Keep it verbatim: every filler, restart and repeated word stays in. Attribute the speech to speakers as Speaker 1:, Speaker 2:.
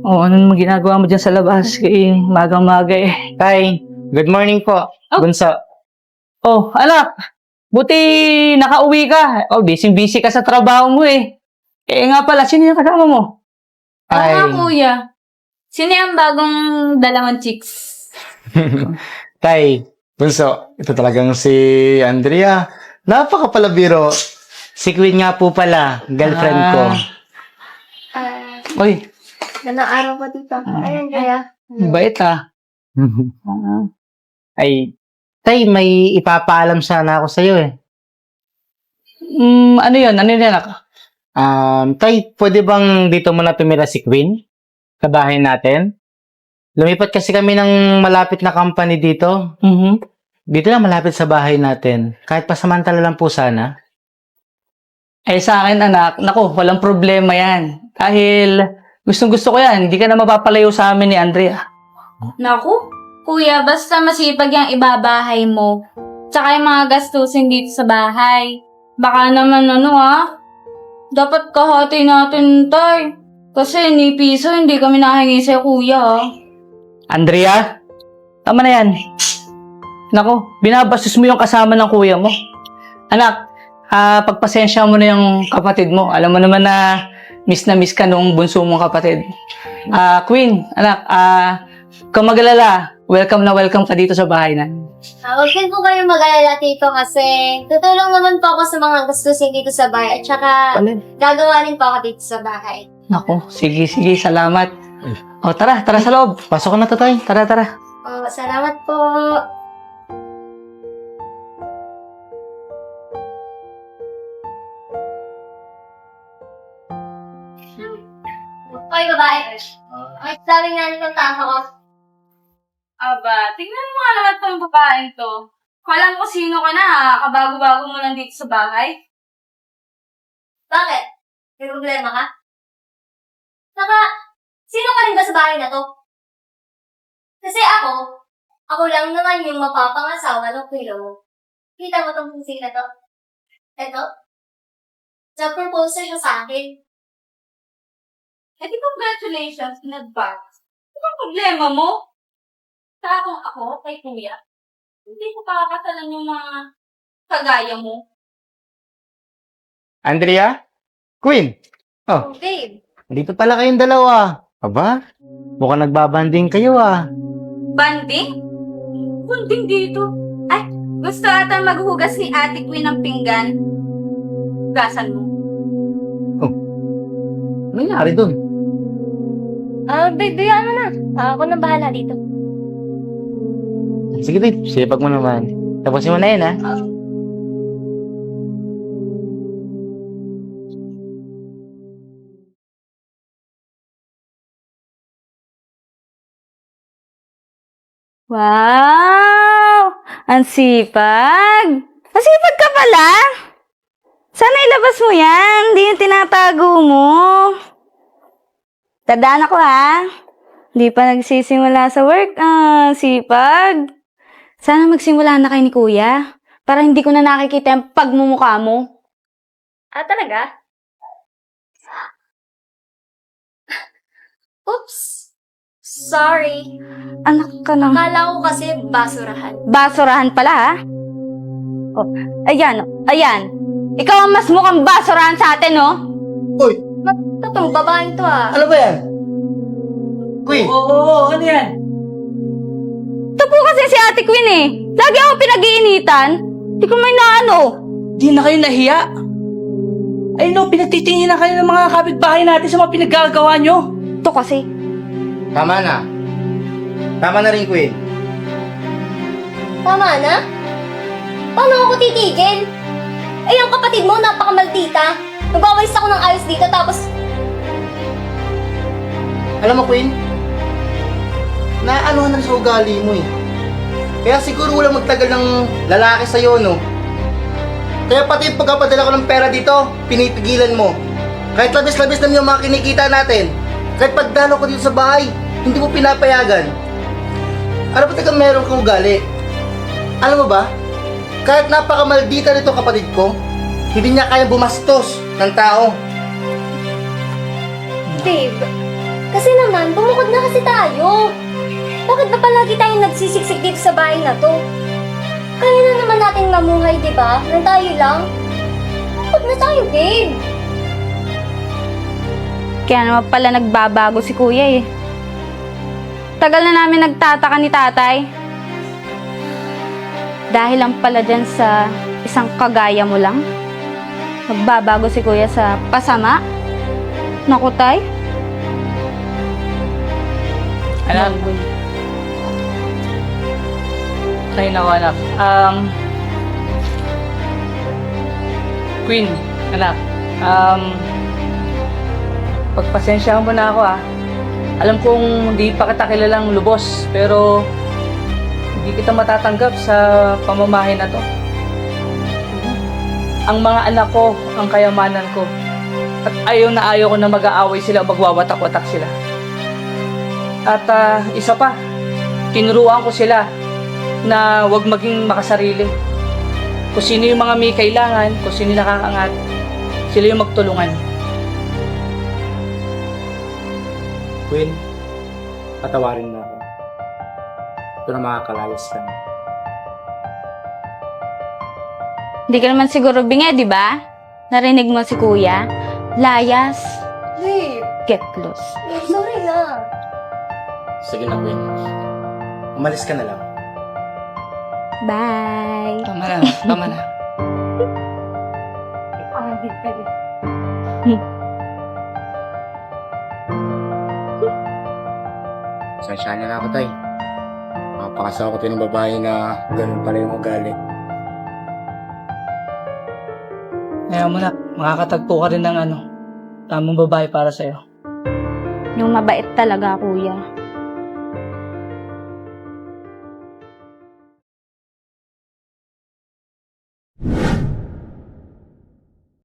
Speaker 1: Oh, ano naman ginagawa mo dyan sa labas? Kaya magang-maga eh.
Speaker 2: Tay, good morning po.
Speaker 1: Oh.
Speaker 2: Bunso.
Speaker 1: Oh, anak! Buti nakauwi ka. Oh, busy-busy ka sa trabaho mo eh. Eh nga pala, sino yung kasama mo?
Speaker 3: Oo
Speaker 2: Ay.
Speaker 3: nga, kuya. Sino yung bagong dalawang chicks?
Speaker 2: Tay, Bunso, ito talagang si Andrea. Napakapalabiro. Si Queen nga po pala, girlfriend ko.
Speaker 4: Ah,
Speaker 1: Uy,
Speaker 4: ganang araw pa dito. Ayun, kaya.
Speaker 1: bait ah. Ah.
Speaker 2: Ay, Tay, may ipapaalam sana ako sa'yo eh.
Speaker 1: Mm, ano yun? Ano yun, anak?
Speaker 2: Um, Tay, pwede bang dito muna tumira si Queen? Sa bahay natin? Lumipat kasi kami ng malapit na company dito.
Speaker 1: Mhm.
Speaker 2: Dito lang malapit sa bahay natin. Kahit pasamantala lang po sana.
Speaker 1: Eh sa akin, anak, naku, walang problema yan. Dahil gustong gusto ko yan. Hindi ka na mapapalayo sa amin ni Andrea.
Speaker 3: Naku, kuya, basta masipag yung ibabahay mo. Tsaka yung mga gastusin dito sa bahay. Baka naman ano ah, dapat kahati natin, tay. Kasi ni piso hindi kami nahingi sa kuya ah.
Speaker 1: Andrea, tama na yan. Naku, binabastos mo yung kasama ng kuya mo. Anak, ah, pagpasensya mo na yung kapatid mo. Alam mo naman na miss na miss ka nung bunso mong kapatid. Ah, Queen, anak, ah, kung mag-alala, welcome na welcome ka dito sa bahay na.
Speaker 4: Ah, huwag din po kayong mag-alala dito kasi tutulong naman po ako sa mga gastusin dito sa bahay at saka gagawa rin po ako dito sa bahay.
Speaker 1: Naku, sige, sige, salamat. O, tara, tara sa loob.
Speaker 2: Pasok ko na to, Tay.
Speaker 1: Tara, tara.
Speaker 4: Oh, salamat po. Hoy, babae. Ay, sabi nga nitong tao ko.
Speaker 3: Aba, tingnan mo nga naman tong babaeng to. Alam ko sino ka na ha, kabago-bago mo lang dito sa bahay.
Speaker 4: Bakit? May problema ka? Saka, sino ka rin ba sa bahay na to? Kasi ako, ako lang naman yung mapapangasawa ng kuya mo. Kita mo tong pusi na to? Eto? Na-propose na siya sa akin.
Speaker 3: Eh di congratulations in advance. Ano ang problema mo? Sa akong ako, kay kuya, hindi ko pakakasalan yung mga kagaya mo.
Speaker 2: Andrea? Queen? Oh,
Speaker 4: Oh, babe.
Speaker 2: dito pala kayong dalawa. Aba, mukhang nagbabanding kayo ah.
Speaker 3: Banding? Banding dito. Ay, gusto ata maghugas ni Ate Queen ng pinggan. Hugasan mo.
Speaker 2: Ano nangyari dun?
Speaker 4: Ah, babe, bayaan mo na. Ah, ako na bahala dito.
Speaker 2: Sige, babe. Sipag mo naman. Tapusin mo na yun, ha?
Speaker 3: Wow! Ang sipag! Ang sipag ka pala! Sana ilabas mo yan. Hindi yung tinatago mo. Tandaan ako ha. Hindi pa nagsisimula sa work. Ah, sipag. Sana magsimula na kayo ni kuya. Para hindi ko na nakikita yung pagmumukha mo.
Speaker 4: Ah, talaga? Oops. Sorry.
Speaker 3: Anak ka na.
Speaker 4: Akala ko kasi basurahan.
Speaker 3: Basurahan pala ha. Oh, ayan. Ayan. Ikaw ang mas mukhang basurahan sa atin, no?
Speaker 2: Uy!
Speaker 4: Totong babaeng to ah.
Speaker 2: Ano ba yan? Queen!
Speaker 1: Oo, oo, oo, ano yan?
Speaker 3: Ito po kasi si Ate Queen eh. Lagi ako pinag-iinitan. Di ko may naano.
Speaker 1: Di na kayo nahiya. Ay no, pinagtitingin na kayo ng mga kapitbahay natin sa mga pinaggagawa nyo.
Speaker 3: Ito kasi.
Speaker 2: Tama na. Tama na rin, Queen.
Speaker 4: Tama na? Paano ako titigil? Eh, ang kapatid mo, napakamaldita. Nagwawalis ako ng ayos dito, tapos
Speaker 2: Alam mo, Queen? Naanohan na sa ugali mo eh. Kaya siguro walang magtagal ng lalaki sa'yo, no? Kaya pati yung pagkapadala ko ng pera dito, pinipigilan mo. Kahit labis-labis naman yung mga kinikita natin. Kahit pagdalo ko dito sa bahay, hindi mo pinapayagan. Ano ba taga meron kang ugali? Alam mo ba? Kahit napakamaldita nito kapatid ko, hindi niya kaya bumastos ng tao.
Speaker 4: babe, Kasi naman, bumukod na kasi tayo. Bakit ba palagi tayong nagsisiksik dito sa bahay na to? Kaya na naman nating mamuhay, di ba? Nang tayo lang. Bukod na tayo, babe.
Speaker 3: Kaya naman pala nagbabago si kuya eh. Tagal na namin nagtataka ni tatay. Dahil lang pala dyan sa isang kagaya mo lang. Magbabago si kuya sa pasama. Naku, tay.
Speaker 1: Anak. Ay, naku, anak. Um, Queen, anak. Um, pagpasensyahan mo na ako, ah. Alam kong hindi pa kita kilalang lubos, pero hindi kita matatanggap sa pamamahay na to. Ang mga anak ko, ang kayamanan ko. At ayaw na ayaw ko na mag-aaway sila o magwawatak-watak sila. At ah, isa pa, tinuruan ko sila na huwag maging makasarili. Kung sino yung mga may kailangan, kung sino yung nakakangat, sila yung magtulungan.
Speaker 2: Queen, patawarin mo ako. Ito na makakalayas ka na.
Speaker 3: Hindi ka naman siguro bingi, di ba? Narinig mo si kuya? Layas,
Speaker 4: Babe,
Speaker 3: get lost.
Speaker 4: babe, sorry na.
Speaker 2: Sige na, Queen. Umalis ka na lang.
Speaker 3: Bye.
Speaker 1: Tama na, tama na.
Speaker 2: Sensya niya na ako, tay. Mapakasawa ko tayo ng babae na ganun pala yung ugali.
Speaker 1: Kaya mo na, makakatagpo ka rin ng ano, tamang babae para sa'yo.
Speaker 3: Yung mabait talaga, kuya.